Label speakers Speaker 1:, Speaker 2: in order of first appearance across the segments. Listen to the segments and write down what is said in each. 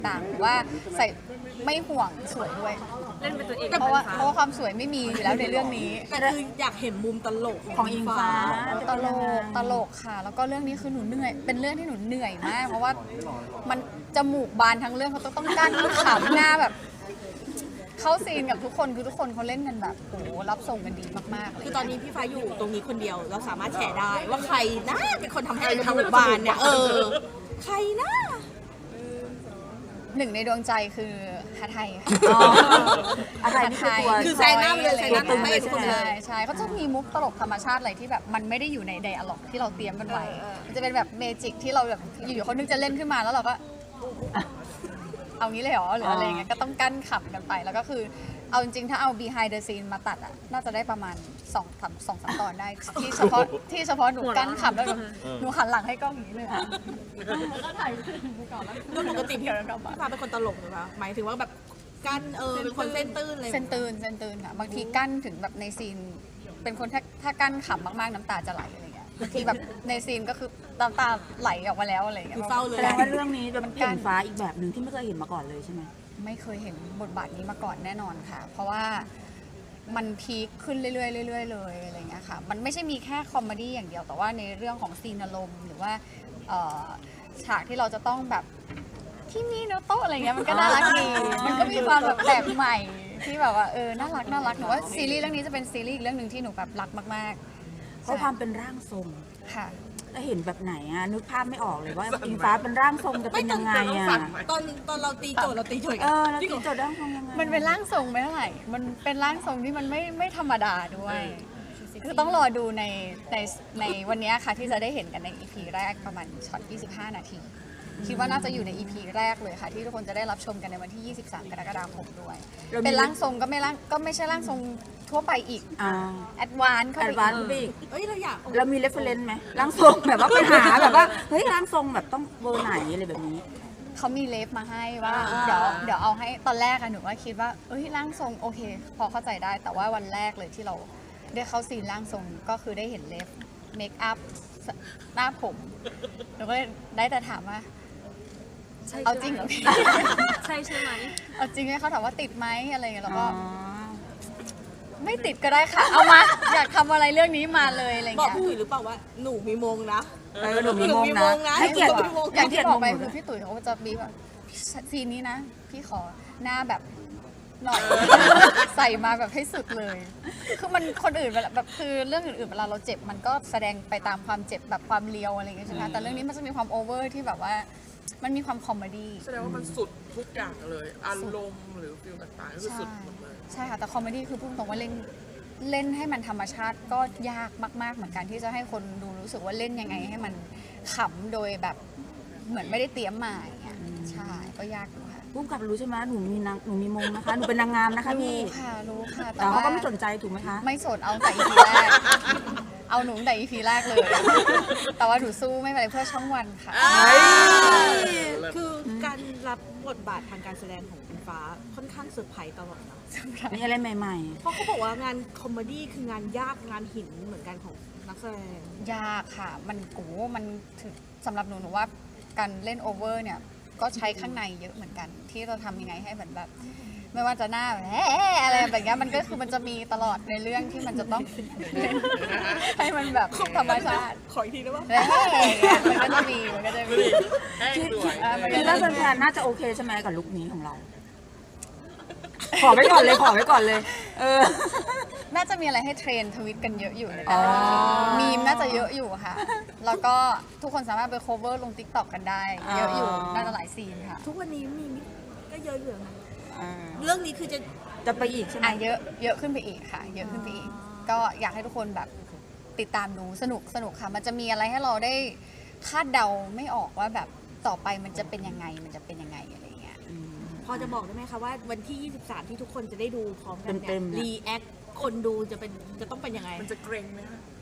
Speaker 1: ต่างว่าใส่ไม่ห่วงสวยด้วย
Speaker 2: เล่นเป็นตัวเอง
Speaker 1: เพราะว่าความสวยไม่มีอยู่แล้วในเรื่องนี้
Speaker 3: แต่คืออยากเห็นมุมตลก
Speaker 4: ของอิงฟ้า
Speaker 1: ตลกค่ะแล้วก็เรื่องนี้คือหนูเหนื่อยเป็นเรื่องที่หนูเหนื่อยมากเพราะว่ามันจมูกบานทั้งเรื่องเขาต้องกั้นขำหน้าแบบเข้าซีนกับทุกคนคือทุกคนเขาเล่นกันแบบโอ้รับส่งกันดีมากๆเลย
Speaker 3: คือตอนนี้พี่ฟ้าอยู่ตรงนี้คนเดียวเราสามารถแชร์ได้ว่าใครนะเป็นคนทำให้จมูกบานเนี่ยใครนะ
Speaker 1: หนึ่งในดวงใจคือฮาไทยค่ะ
Speaker 4: อะไรนี่
Speaker 3: คือแซงหน้าเลยแซงหน้าไม่เป็นคนเลย
Speaker 1: ใช่เขาจะมีมุกตลกธรรมชาติอะไรที่แบบมันไม่ได้อยู่ในไดอะล็อกที่เราเตรียมกันไว้มันจะเป็นแบบเมจิกที่เราแบบอยู่ๆเขานึกจะเล่นขึ้นมาแล้วเราก็เอางี้เลยเหรอหรืออะไรเงี้ยก็ต้องกั้นขำกันไปแล้วก็คือเอาจริงๆถ้าเอา behind the scene มาตัดอ่ะน่าจะได้ประมาณ2-3 ตอนได้ที่เฉพาะหนูกั้นขำแล้วหนูหันหลังให้กล้องอย่างนี้เลยอ่ะแล้วก็ถ่ายไปก่อนแล้ว
Speaker 3: ปกติพี่ฟ้าเป็นคนตลกหรือเปล่าหมายถึงว่าแบบกั้นเป็นคนเส้นตื้นเลย
Speaker 1: เส้นตื้นค่ะบางทีกั้นถึงแบบในซีนเป็นคนถ้ากั้นขำมากๆน้ำตาจะไหลอะไรเงี้ยบางทีแบบในซีนก็คือน้ำตาไหลออกมาแล้วอะไรเงี้ย
Speaker 3: เศร้าเลย
Speaker 4: แสดงว่าเรื่องนี้จะเห็นฟ้าอีกแบบหนึ่งที่ไม่เคยเห็นมาก่อนเลยใช่ไหม
Speaker 1: ไม่เคยเห็นบทบาทนี้มาก่อนแน่นอนค่ะเพราะว่ามันพีคขึ้นเรื่อยๆเลยอะไรเงี้ยค่ะมันไม่ใช่มีแค่คอมเมดี้อย่างเดียวแต่ว่าในเรื่องของซีนอารมณ์หรือว่าฉากที่เราจะต้องแบบที่มีโนโต้อะไรเงี้ยมันก็น่ารักดีมันก็มีความแบบแปลกใหม่ที่แบบว่าน่ารักหนูว่าซีรีส์เรื่องนี้จะเป็นซีรีส์อีกเรื่องหนึ่งที่หนูแบบรักมากๆ
Speaker 4: เพราะความเป็นร่างทรง
Speaker 1: ค่ะ
Speaker 4: แล้วเห็นแบบไหนอะนึกภาพไม่ออกเลยว่าอิงฟ้าเป็นร่างทรงจะเป็นยังไงอะ
Speaker 3: ตอนเราตีโจทย์เราตีโจทย์
Speaker 4: เราตีโจทย์ร่างทรงยังไง
Speaker 1: มันเป็นร่างทรงไม่เท่าไหร่มันเป็นร่างทรงที่มันไม่ธรรมดาด้วยคือต้องรอดูในวันนี้ค่ะที่จะได้เห็นกันใน EP แรกประมาณช็อต25 นาทีคิดว่าน่าจะอยู่ใน EP แรกเลยค่ะที่ทุกคนจะได้รับชมกันในวันที่ 23 กรกฎาคมด้วยเป็นร่างทรงก็ไม่ใช่ร่างทรงทั่วไปอีกแอดวานซ์เข้าไป
Speaker 4: อีก
Speaker 3: เราอยาก
Speaker 4: เรามีเรฟเฟรนซ์ไหมร่างทรงแบบว่าไปหาแบบว่าเฮ้ยร่างทรงแบบต้องเบอร์ไหนอะไรแบบนี้
Speaker 1: เขามีเลฟมาให้ว่าเดี๋ยวเอาให้ตอนแรกอะหนูว่าคิดว่าร่างทรงโอเคพอเข้าใจได้แต่ว่าวันแรกเลยที่เราได้เข้าซีนร่างทรงก็คือได้เห็นเลฟเมคอัพหน้าผมหนูก็ได้แต่ถามว่าเอาจริงเหรอพี่
Speaker 2: ใช่ไหม
Speaker 1: เอาจริงไหมเขาถามว่าติดไหมอะไรเงี้ยแล้วก็ไม่ติดก็ได้ค่ะเอามาอยากทำอะไรเรื่องนี้มาเลยอะไรเงี้ย
Speaker 3: บอกพี่ตุ๋ยหรือเปล่าว่าหนูมีมงนะ
Speaker 4: หนูมีมงนะ
Speaker 1: ให้เกียรติอย่างที่บอกไปคือพี่ตุ๋ยเขาจะมีแบบซีนนี้นะพี่ขอหน้าแบบหน่อยใส่มาแบบให้สุดเลยคือมันคนอื่นแบบคือเรื่องอื่นๆเวลาเราเจ็บมันก็แสดงไปตามความเจ็บแบบความเลียวอะไรอย่างเงี้ยใช่ไหมแต่เรื่องนี้มันจะมีความโอเวอร์ที่แบบว่ามันมีความคอมเมดี้
Speaker 5: แสดงว่ามันสุดทุกอย่างเลยอารมณ์หรือฟิลต่างๆก็คือสุดหมดเลย
Speaker 1: ใช่ค่ะแต่คอมเมดี้คือพูดตรงว่าเล่นให้มันธรรมชาติก็ยากมากๆเหมือนกันที่จะให้คนดูรู้สึกว่าเล่นยังไงให้มันขำโดยแบบเหมือนไม่ได้เตรียมมาอย่างเงี้ยใช่ก็ยากอยู่ค่ะ
Speaker 4: ผู้กำกับรู้ใช่ไหมหนูมีมงนะคะหนูเป็นนางงามนะคะพี่
Speaker 1: รู้ค่ะ
Speaker 4: แต่เขาก็ไม่สนใจถูกไหมคะ
Speaker 1: ไม่สนเอาแต่ EP แรกเอาหนูแต่ EP แรกเลยแต่ว่าหนูสู้ไม่เป็นไรเพื่อช่องวันค่ะ
Speaker 3: คือการรับบทบาททางการแสดงของอิงฟ้าค่อนข้างเซอร์ไพรส์ตลอดนะ
Speaker 4: มีอะไรใหม่
Speaker 3: ๆเพราะเขาบอกว่างานคอมเมดี้คืองานยากงานหินเหมือนกันของนักแสดง
Speaker 1: ยากค่ะมันถึงสำหรับหนูว่าการเล่นโอเวอร์เนี่ยก็ใช้ข้างในเยอะเหมือนกันที่เราทำยังไงให้แบบไม่ว่าจะหน้าแบบอะไรแบบนี้มันก็คือมันจะมีตลอดในเรื่องที่มันจะต้องให้มันแบบธรรมชาติ
Speaker 3: ขออีกทีได้ปะ
Speaker 1: มันก็จะมี
Speaker 4: คิดว่าแฟนๆน่าจะโอเคใช่ไหมกับลุคนี้ของเราขอไว้ก่อนเลย
Speaker 1: น่าจะมีอะไรให้เทรนทวิตกันเยอะอยู่ในแต่ละมีมน่าจะเยอะอยู่ค่ะแล้วก็ทุกคนสามารถไป cover ลง TikTok กันได้เยอะอยู่น่าจะหลายซีนค่ะ
Speaker 3: ทุกวันนี้มีก็เยอะอยู่นะเรื่องนี้คือ
Speaker 4: จะไปอีกใช่ไหม
Speaker 1: เยอะขึ้นไปอีกค่ะเยอะขึ้นไปอีกก็อยากให้ทุกคนแบบติดตามดูสนุกค่ะมันจะมีอะไรให้เราได้คาดเดาไม่ออกว่าแบบต่อไปมันจะเป็นยังไงอะไรเงี้ย
Speaker 3: พอจะบอกได้ไหมคะว่าวันที่23ที่ทุกคนจะได้ดูพร้อมกันเนี่ยรีแอคคนดูจะต้องเป็นยังไง
Speaker 5: มันจะเกรงไหมคะ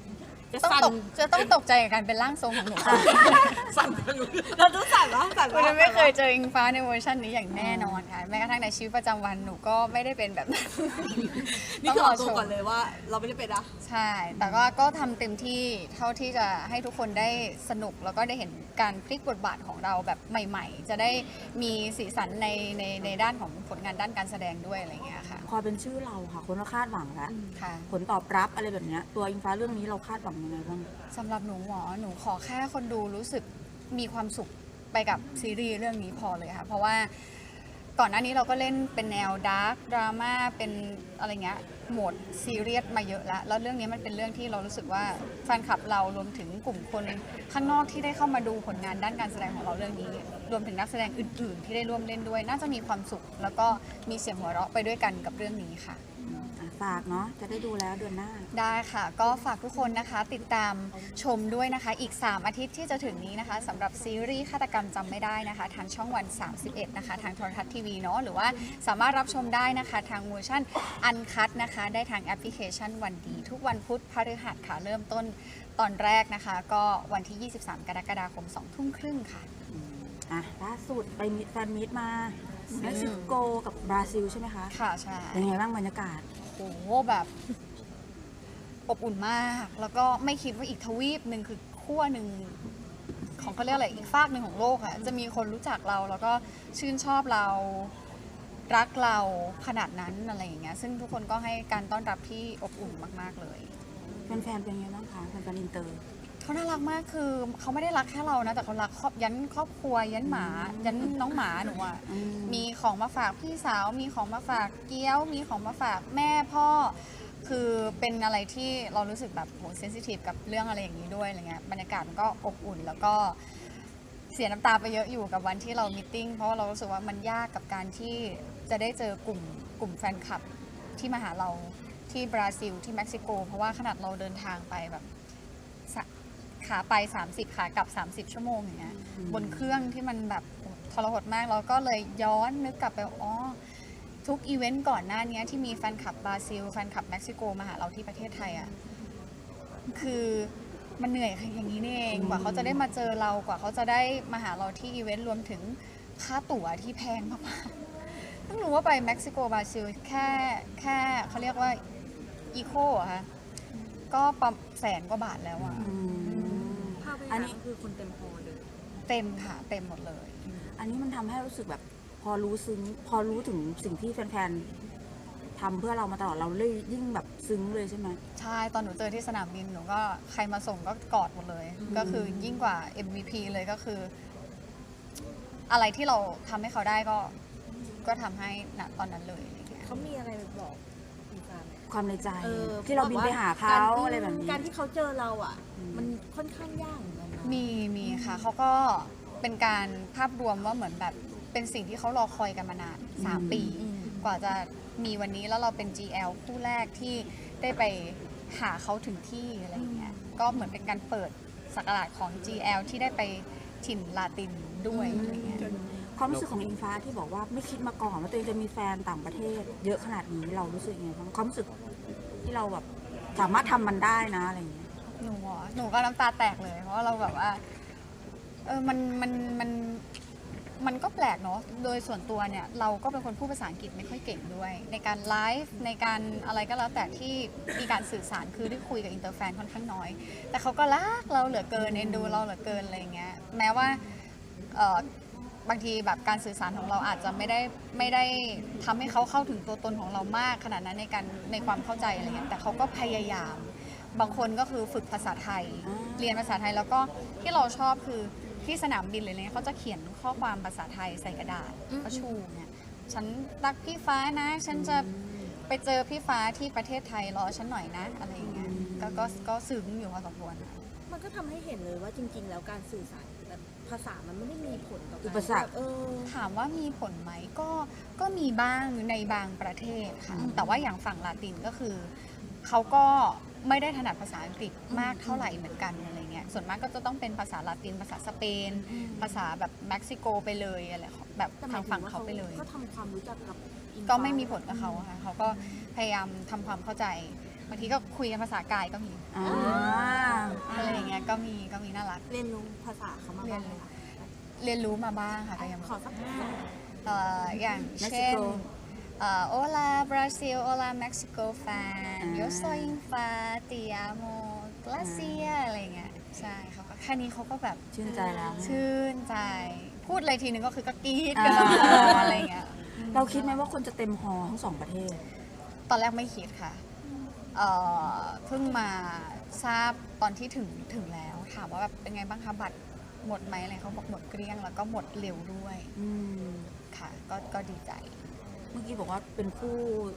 Speaker 3: จะ
Speaker 1: ต้อง
Speaker 3: สั่น
Speaker 1: ตกใจกับการเป็นร่างทรงของหนู
Speaker 5: สั่นกันอยู่
Speaker 3: เราต้องสั่นวะสั่น
Speaker 1: คุณ
Speaker 3: วะ
Speaker 1: ไม่เคยเจออิงฟ้าในเวอร์ชันนี้อย่างแน่นอนค่ะแม้กระทั่งในชีวิตประจำวันหนูก็ไม่ได้เป็นแบบนั้น
Speaker 3: นี่คือออกตัวก่อนเลยว่า เราไม่ได้เป็นนะ
Speaker 1: ใช่ แต่ก็ทำเต็มที่เท่าที่จะให้ทุกคนได้สนุกแล้วก็ได้เห็นการพลิกบทบาทของเราแบบใหม่ ๆ จะได้มีสีสันในด้านของผลงานด้านการแสดงด้วยอะไรอย่างเงี้ยค่ะ
Speaker 4: พอเป็นชื่อเราค่ะ คนก็คาดหวังแล้ว
Speaker 1: ค่ะ
Speaker 4: ผลตอบรับอะไรแบบเนี้ยตัวอิงฟ้าเรื่องนี้เราคาดหวังยังไงบ้าง
Speaker 1: สำหรับหนูขอแค่คนดูรู้สึกมีความสุขไปกับซีรีส์เรื่องนี้พอเลยค่ะ เพราะว่าก่อนหน้านี้เราก็เล่นเป็นแนวดาร์กดราม่าเป็นอะไรเงี้ยโหมดซีเรียสมาเยอะแล้วเรื่องนี้มันเป็นเรื่องที่เรารู้สึกว่าแฟนคลับเรารวมถึงกลุ่มคนข้างนอกที่ได้เข้ามาดูผลงานด้านการแสดงของเราเรื่องนี้ รวมถึงนักแสดงอื่น ๆ ที่ได้ร่วมเล่นด้วย น่าจะมีความสุข แล้วก็มีเสียงหัวเราะไปด้วยกันกับเรื่องนี้ค่ะ
Speaker 4: ฝากเนาะจะได้ดูแล้วเดือนหน้า
Speaker 1: ได้ค่ะ ก็ฝากทุกคนนะคะ ติดตามชมด้วยนะคะ อีก 3 อาทิตย์ที่จะถึงนี้นะคะสำหรับซีรีส์ฆาตกรรมจำไม่ได้นะคะ ทางช่องวัน 31 นะคะ ทางโทรทัศน์ทีวีเนาะหรือว่าสามารถรับชมได้นะคะ ทางเวอร์ชันอันคัดนะคะ ได้ทางแอปพลิเคชันวันดี ทุกวันพุธพฤหัสค่ะ เริ่มต้นตอนแรกนะคะ ก็วันที่ 23 กรกฎาคม 2 ทุ่มครึ่งค่ะ
Speaker 4: ล่าสุดไปแฟนมีตมาเม็กซิโกกับบราซิลใช่ไหมคะ
Speaker 1: ค่ะใช่
Speaker 4: เป็นไงบ้างบรรยากาศ
Speaker 1: โอ้โหแบบอบอุ่นมาก แล้วก็ไม่คิดว่าอีกทวีปหนึ่งคือขั้วหนึ่งของเขาเรียกอะไรอีกฟากหนึ่งของโลกอะจะมีคนรู้จักเราแล้วก็ชื่นชอบเรารักเราขนาดนั้นอะไรอย่างเงี้ยซึ่งทุกคนก็ให้การต้อนรับที่อบอุ่นมากๆเลย
Speaker 4: แฟนๆเป็นไงบ้างคะแฟนๆอินเตอร์
Speaker 1: เขาน่ารักมากคือเขาไม่ได้รักแค่เรานะแต่เขารักยันครอบครัวยันหมายันน้องหมาหนูอะมีของมาฝากพี่สาวมีของมาฝากเกี้ยว มีของมาฝากแม่พ่อ คือเป็นอะไรที่เรารู้สึกแบบโหเซนซิทีฟกับเรื่องอะไรอย่างนี้ด้วยอะไรเงี้ยบรรยากาศมันก็อบอุ่น แล้วก็เสียน้ำตาไปเยอะอยู่กับวันที่เรามีตติ้งเพราะว่าเรารู้สึกว่ามันยากกับการที่จะได้เจอกลุ่มแฟนคลับที่มาหาเราที่บราซิลที่เม็กซิโกเพราะว่าขนาดเราเดินทางไปแบบขาไป30ขากลับ30ชั่วโมงอย่างเงี้ยบนเครื่องที่มันแบบทรหดมากเราก็เลยย้อนนึกกลับไปอ๋อทุกอีเวนต์ก่อนหน้านี้ที่มีแฟนคลับบราซิลแฟนคลับเม็กซิโกมาหาเราที่ประเทศไทยอ่ะคือมันเหนื่อยอย่างนี้นี่เองกว่าเขาจะได้มาเจอเรากว่าเขาจะได้มาหาเราที่อีเวนต์รวมถึงค่าตั๋วที่แพงมากๆต้องรู้ว่าไปเม็กซิโกบราซิลแค่เขาเรียกว่าอีโคอะค่ะก็ประมาณ100,000 กว่าบาทแล้วอะ
Speaker 2: ภาพบรรยากาศก็คือคนเต็มฮอลเลย
Speaker 1: เต็มค่ะเต็มหมดเลย
Speaker 4: อันนี้มันทำให้รู้สึกแบบพอรู้ถึงสิ่งที่แฟนๆทำเพื่อเรามาตลอดเราเลยยิ่งแบบซึ้งเลยใช่ไหม
Speaker 1: ใช่ตอนหนูเจอที่สนามบินหนูก็ใครมาส่งก็กอดหมดเลย ก็คือยิ่งกว่า MVP เลยก็คือ อะไรที่เราทำให้เขาได้ก็ทำให้ณตอนนั้นเลยอะไรเงี้ย
Speaker 2: เขามีอะไรบอกมีการไหม
Speaker 4: ความในใจ
Speaker 2: เออ
Speaker 4: ที่เราบินไปหาเขาอะไรแบบนี้
Speaker 2: การที่เขาเจอเราอ่ะ มันค่อนข้างยากเหมือนกันนะ
Speaker 1: มีค่ะเขาก็เป็นการภาพรวมว่าเหมือนแบบเป็นสิ่งที่เขารอคอยกันมานาน3 ปี กว่าจะมีวันนี้แล้วเราเป็น GL คู่แรกที่ได้ไปหาเขาถึงที่อะไรอย่างเงี้ยก็เหมือนเป็นการเปิดศักราชของ GL ที่ได้ไปถิ่นลาตินด้วยอะไรเงี้ย
Speaker 4: ความรู้สึกของอิงฟ้าที่บอกว่าไม่คิดมาก่อนว่าตัวเองจะมีแฟนต่างประเทศ เยอะขนาดนี้เรารู้สึกยังไงบ้างความรู้สึกที่เราแบบสามารถทำมันได้นะอะไรอย่างเงี้ย
Speaker 1: หนูก็น้ำตาแตกเลยเพราะว่าเราแบบว่ามันก็แปลกเนาะโดยส่วนตัวเนี่ยเราก็เป็นคนพูดภาษาอังกฤษไม่ค่อยเก่งด้วย ในการไลฟ์ในการอะไรก็แล้วแต่ที่มีการสื่อสารคือได้คุยกับอินเตอร์แฟนค่อนข้างน้อย แต่เขาก็รักเราเหลือเกินเอ็นดูเราเหลือเกินอะไรอย่างเงี้ยแม้ว่าบางทีแบบการสื่อสารของเราอาจจะไม่ได้ทำให้เขาเข้าถึงตัวตนของเรามากขนาดนั้นในความเข้าใจอะไรเงี้ยแต่เขาก็พยายามบางคนก็คือฝึกภาษาไทย เรียนภาษาไทยแล้วก็ที่เราชอบคือที่สนามบินเลยเนี่ยเขาจะเขียนข้อความภาษาไทยใส่กระดาษก็ชูเนี่ยฉันรักพี่ฟ้านะ ฉันจะไปเจอพี่ฟ้าที่ประเทศไทยรอฉันหน่อยนะอะไรอย่างเงี้ยก็ซึ้งอยู่พอสมควร
Speaker 2: มันก็ทำให้เห็นเลยว่าจริง ๆ แล้วการสื่อสารแบบภาษามันไม่ได้มีผลต่อการ
Speaker 4: อุปสรรค
Speaker 1: ถามว่ามีผลไหมก็มีบ้างในบางประเทศค่ะแต่ว่าอย่างฝั่งลาตินก็คือเขาก็ไม่ได้ถนัดภาษาอังกฤษมากเท่าไหร่เหมือนกันอะไรเงี้ยส่วนมากก็จะต้องเป็นภาษาลาตินภาษาสเปน ภาษาแบบเม็กซิโกไปเลยอะไรแบบ
Speaker 2: แต่หม
Speaker 1: ทาย ง
Speaker 2: ถึ
Speaker 1: ฝั่ง
Speaker 2: ว่
Speaker 1: เขาไปเลย
Speaker 2: ก็ทำความรู้จักกับอิงฟ้า
Speaker 1: ก็ไม่มีผลกับเขาค่ะเขาก็พยายามทำความเข้าใจบางทีก็คุยกันภาษากายก็มี
Speaker 4: อ่า
Speaker 1: อะไรอย่างเงี้ยก็มีน่ารัก
Speaker 2: เรียนรู้ภาษาเขามาบ้างไหมคะ
Speaker 1: เรียนรู้มาบ้างค่ะก็ยัง
Speaker 2: ขอสัก
Speaker 1: อย่าง
Speaker 4: เม็กซิ
Speaker 1: เช่น
Speaker 4: โก
Speaker 1: Hola Brazil Hola Mexico fan Yo soy fa te amo gracias อะไรเงี้ยใช่เขาก็แค่นี้เขาก็แบบ
Speaker 4: ชื่นใจแล้ว
Speaker 1: ชื่นใจ พูดอะไรทีนึงก็คือก็กรี๊ด
Speaker 4: อ่า
Speaker 1: กันทั้งหออะไรเงี้ย
Speaker 4: เราคิดไหมว่าคนจะเต็มฮอลล์ทั้งสองประเทศ
Speaker 1: ตอนแรกไม่คิดค่ะเพิ่งมาทราบตอนที่ถึงแล้วถามว่าแบบเป็นไงบ้างคะบัตรหมดไหมอะไรเขาบอกหมดเกลี้ยงแล้วก็หมดเร็วด้วย
Speaker 4: อืม
Speaker 1: ค่ะก็ดีใจ
Speaker 4: เมื่อกี้บอกว่าเป็นคู่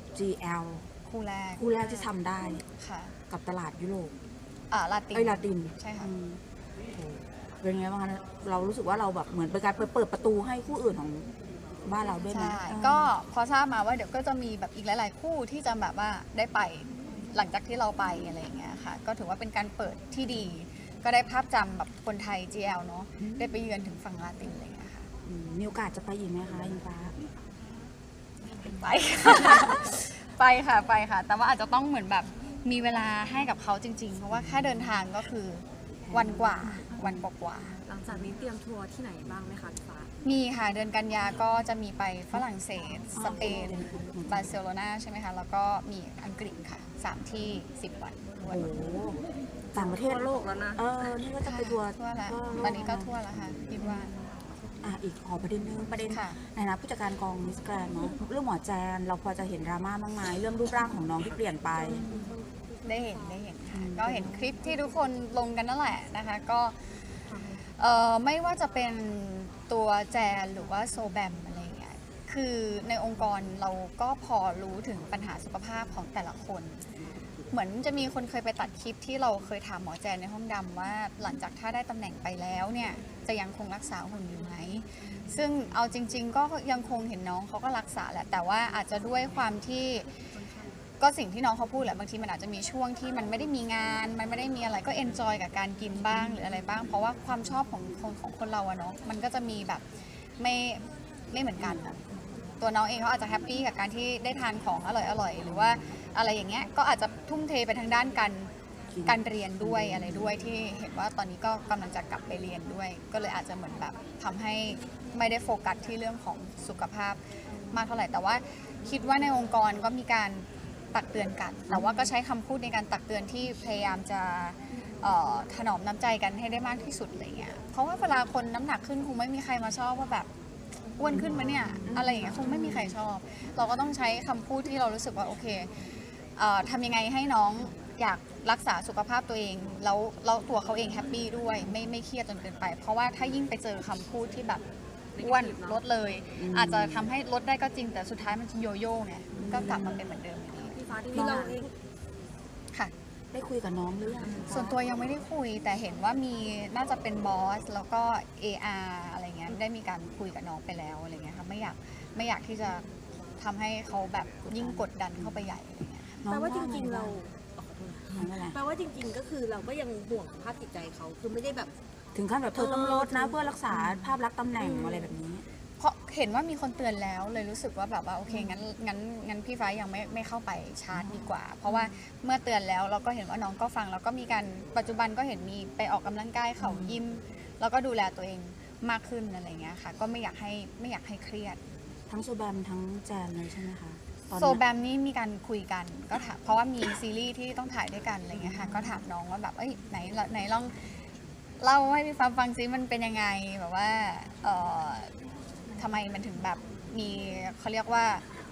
Speaker 4: GL
Speaker 1: คู่แรก
Speaker 4: คู่แรกที่ทำได้
Speaker 1: ค่ะ
Speaker 4: กับตลาดยุโรป
Speaker 1: ลาติน
Speaker 4: เอ้ยลาติน
Speaker 1: ใช่ค่ะ
Speaker 4: อืมโอ้โหเป็นไงบ้างคะเรารู้สึกว่าเราแบบเหมือนเป็นการเปิดประตูให้คู่อื่นของบ้านเราด้วยไหม
Speaker 1: ใช่ก็พอทราบมาว่าเดี๋ยวก็จะมีแบบอีกหลาย ๆ คู่ที่จะแบบว่าได้ไปหลังจากที่เราไปอะไรอย่างเงี้ยค่ะ ก็ถือว่าเป็นการเปิดที่ดี ก็ได้ภาพจำแบบคนไทย GL เนาะได้ไปเยือนถึงฝั่งลาตินอะไรอย่างเงี้ยค่ะ
Speaker 4: มีโอกาสจะไปอีกไหมคะอิงฟ้า
Speaker 1: ไปค่ะ ไปค่ะ แต่ว่าอาจจะต้องเหมือนแบบมีเวลาให้กับเขาจริง ๆ เพราะว่าแค่เดินทางก็คือวันกว่า
Speaker 2: หลังจากนี้เตรียมทัวร์ที่ไหนบ้างไหมคะพี่ฟ้า
Speaker 1: มีค่ะเดือนกันยาก็จะมีไปฝรั่งเศส สเปน บาร์เซโลนาใช่ไหมคะ แล้วก็มีอังกฤษค่ะ 3 ที่ 10 วันทั่ว
Speaker 4: โอ้โหต่างประเทศ
Speaker 2: ทั่วโลกแล้วนะ
Speaker 4: นี่ก็จะไปทัวร์
Speaker 1: ทั่วแล้ว
Speaker 4: โลก
Speaker 1: ตอนนี้ก็ทั่วแล้วค่ะคิดว่า
Speaker 4: อีกขอประเด็นนึงประเด็น
Speaker 1: ค่ะ
Speaker 4: ในฐานะผู้จัดการกองมิสแกรนเนาะเรื่องหมอแจนเราพอจะเห็นดราม่าบ้างไหมเรื่องรูปร่างของน้องที่เปลี่ยนไป
Speaker 1: ได้เห็นค่ะก็เห็นคลิปที่ทุกคนลงกันนั่นแหละนะคะก็ไม่ว่าจะเป็นตัวแจนหรือว่าโซแบมอะไรอย่างเงี้ยคือในองค์กรเราก็พอรู้ถึงปัญหาสุขภาพของแต่ละคน เหมือนจะมีคนเคยไปตัดคลิปที่เราเคยถามหมอแจนในห้องดำว่าหลังจากถ้าได้ตำแหน่งไปแล้วเนี่ยจะยังคงรักษาหุ่นอยู่ไหมซึ่งเอาจริง ๆ ก็ยังคงเห็นน้องเขาก็รักษาแหละแต่ว่าอาจจะด้วยความที่ก็สิ่งที่น้องเขาพูดแหละบางทีมันอาจจะมีช่วงที่มันไม่ได้มีงานมันไม่ได้มีอะไรก็เอนจอยกับการกินบ้างหรืออะไรบ้าง เพราะว่าความชอบของคนเราอะเนาะมันก็จะมีแบบไม่เหมือนกันอะตัวน้องเองเขาอาจจะแฮปปี้กับการที่ได้ทานของอร่อยหรือว่าอะไรอย่างเงี้ยก็อาจจะทุ่มเทไปทางด้านการเรียนด้วยอะไรด้วยที่เห็นว่าตอนนี้ก็กำลังจะกลับไปเรียนด้วย ก็เลยอาจจะเหมือนแบบทำให้ไม่ได้โฟกัสที่เรื่องของสุขภาพมากเท่าไหร่แต่ว่าคิดว่าในองค์กรก็มีการตักเตือนกันแต่ว่าก็ใช้คำพูดในการตักเตือนที่พยายามจะถนอมน้ำใจกันให้ได้มากที่สุดอะไรเงี้ยเพราะว่าเวลาคนน้ำหนักขึ้นคงไม่มีใครมาชอบว่าแบบอ้วนขึ้นมาเนี่ยอะไรอย่างเงี้ยคงไม่มีใครชอบ เราก็ต้องใช้คำพูดที่เรารู้สึกว่าโอเคทำยังไงให้น้องอยากรักษาสุขภาพตัวเองแล้วตัวเขาเองแฮปปี้ด้วยไม่เครียดจนเกินไป เพราะว่าถ้ายิ่งไปเจอคำพูดที่แบบอ้วนลดเลย อาจจะทำให้ลดได้ก็จริงแต่สุดท้ายมันจะโยโย่ไงก็กลับมาเป็นเหมือนเดิมอยู่ดี
Speaker 2: พี่ฟ้าที่เราเอง
Speaker 1: ค่ะ
Speaker 4: ได้คุยกับน้องหรือยัง
Speaker 1: ส่วนตัวยังไม่ได้คุยแต่เห็นว่ามีน่าจะเป็นบอสแล้วก็ AR อะไรเงี้ยได้มีการคุยกับน้องไปแล้วอะไรเงี้ยค่ะไม่อยากที่จะทำให้เขาแบบยิ่งกดดันเข้าไปใหญ่อะไรเงี้ย
Speaker 4: น้อ
Speaker 2: แปลว่าจ
Speaker 4: ไ
Speaker 2: ริงๆเรา
Speaker 4: น้องว่าอะไร
Speaker 2: แปลว่าจริง ๆ ก็คือเราก็ยังห่วงสภาพจิตใจเขาคือไม่ได้แบบ
Speaker 4: ถึงขั้นแบบเธอต้องลดนะเพื่อรักษาภาพลักษณ์ตำแหน่งอะไรแบบนี้
Speaker 1: เพราะเห็นว่ามีคนเตือนแล้วเลยรู้สึกว่าแบบว่าโอเคงั้นพี่ฟ้ายังไม่เข้าไปชาร์จดีกว่า เพราะว่าเมื่อเตือนแล้วเราก็เห็นว่าน้องก็ฟังแล้วก็มีการปัจจุบันก็เห็นมีไปออกกำลังกายเขายิมแล้วก็ดูแลตัวเองมากขึ้นอะไรเงี้ยค่ะก็ไม่อยากให้เครียด
Speaker 4: ทั้งโซแบมทั้งแจนเลยใช่ไหมคะตอน
Speaker 1: โซแบมนี่มีการคุยกันก็ถามเพราะว่ามีซีรีส์ที่ต้องถ่ายด้วยกันอะไรเงี้ยค่ะก็ถามน้องว่าแบบไหนลองเล่าให้พี่ฟ้าฟังซิมันเป็นยังไงแบบว่าทำไมมันถึงแบบมีเขาเรียกว่า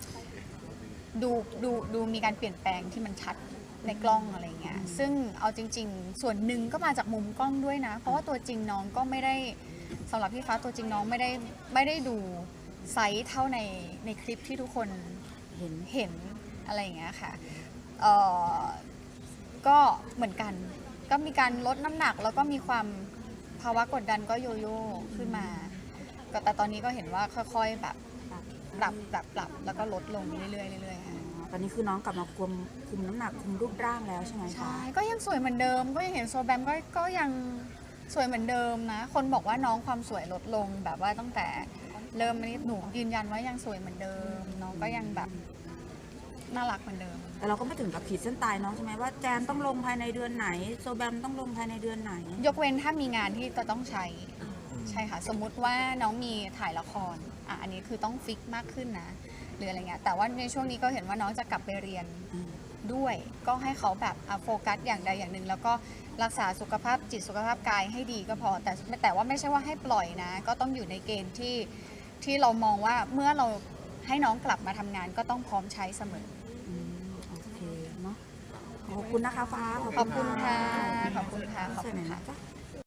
Speaker 1: ดูมีการเปลี่ยนแปลงที่มันชัดในกล้องอะไรเงี้ยซึ่งเอาจริงๆส่วนหนึ่งก็มาจากมุมกล้องด้วยนะเพราะว่าตัวจริงน้องก็ไม่ได้สำหรับพี่ฟ้าตัวจริงน้องไม่ได้ดูไซส์เท่าในคลิปที่ทุกคนเห็นอะไรอย่างเงี้ยค่ะก็เหมือนกันก็มีการลดน้ำหนักแล้วก็มีความภาวะกดดันก็โยโย่ขึ้นมาแต่ตอนนี้ก็เห็นว่าค่อยๆแบบปรับแล้วก็ลดลงเรื่อยๆค่ะ
Speaker 4: ตอนนี้คือน้องกลับมาคุมน้ำหนักคุมรูปร่างแล้วใช่ไหมคะ
Speaker 1: ใช่ก็ยังสวยเหมือนเดิมก็ยังเห็นโซแบมก็ยังสวยเหมือนเดิมนะคนบอกว่าน้องความสวยลดลงแบบว่าตั้งแต่เริ่มนี้หนูยืนยันว่ายังสวยเหมือนเดิมน้องก็ยังแบบน่ารักเหมือนเดิม
Speaker 4: แต่เราก็ไม่ถึงกับขีดเส้นตายน้องใช่ไหมว่าแจนต้องลงภายในเดือนไหนโซแบมต้องลงภายในเดือนไหน
Speaker 1: ยกเว้นถ้ามีงานที่จะต้องใช้ใช่ค่ะสมมุติว่าน้องมีถ่ายละครอันนี้คือต้องฟิกมากขึ้นนะหรืออะไรเงี้ยแต่ว่าในช่วงนี้ก็เห็นว่าน้องจะกลับไปเรียนด้วยก็ให้เขาแบบโฟกัสอย่างใดอย่างหนึ่งแล้วก็รักษาสุขภาพจิตสุขภาพกายให้ดีก็พอแต่ว่าไม่ใช่ว่าให้ปล่อยนะก็ต้องอยู่ในเกณฑ์ที่เรามองว่าเมื่อเราให้น้องกลับมาทำงานก็ต้องพร้อมใช้เสมอ
Speaker 4: โอเคเนาะขอบคุณนะคะฟ้า
Speaker 1: ขอบคุณค่ะขอบคุณค่ะขอบ
Speaker 4: เสร็จ
Speaker 1: คุ
Speaker 4: ไหน
Speaker 1: ณ
Speaker 4: นะ
Speaker 1: ค่ะ
Speaker 4: จ๊ะ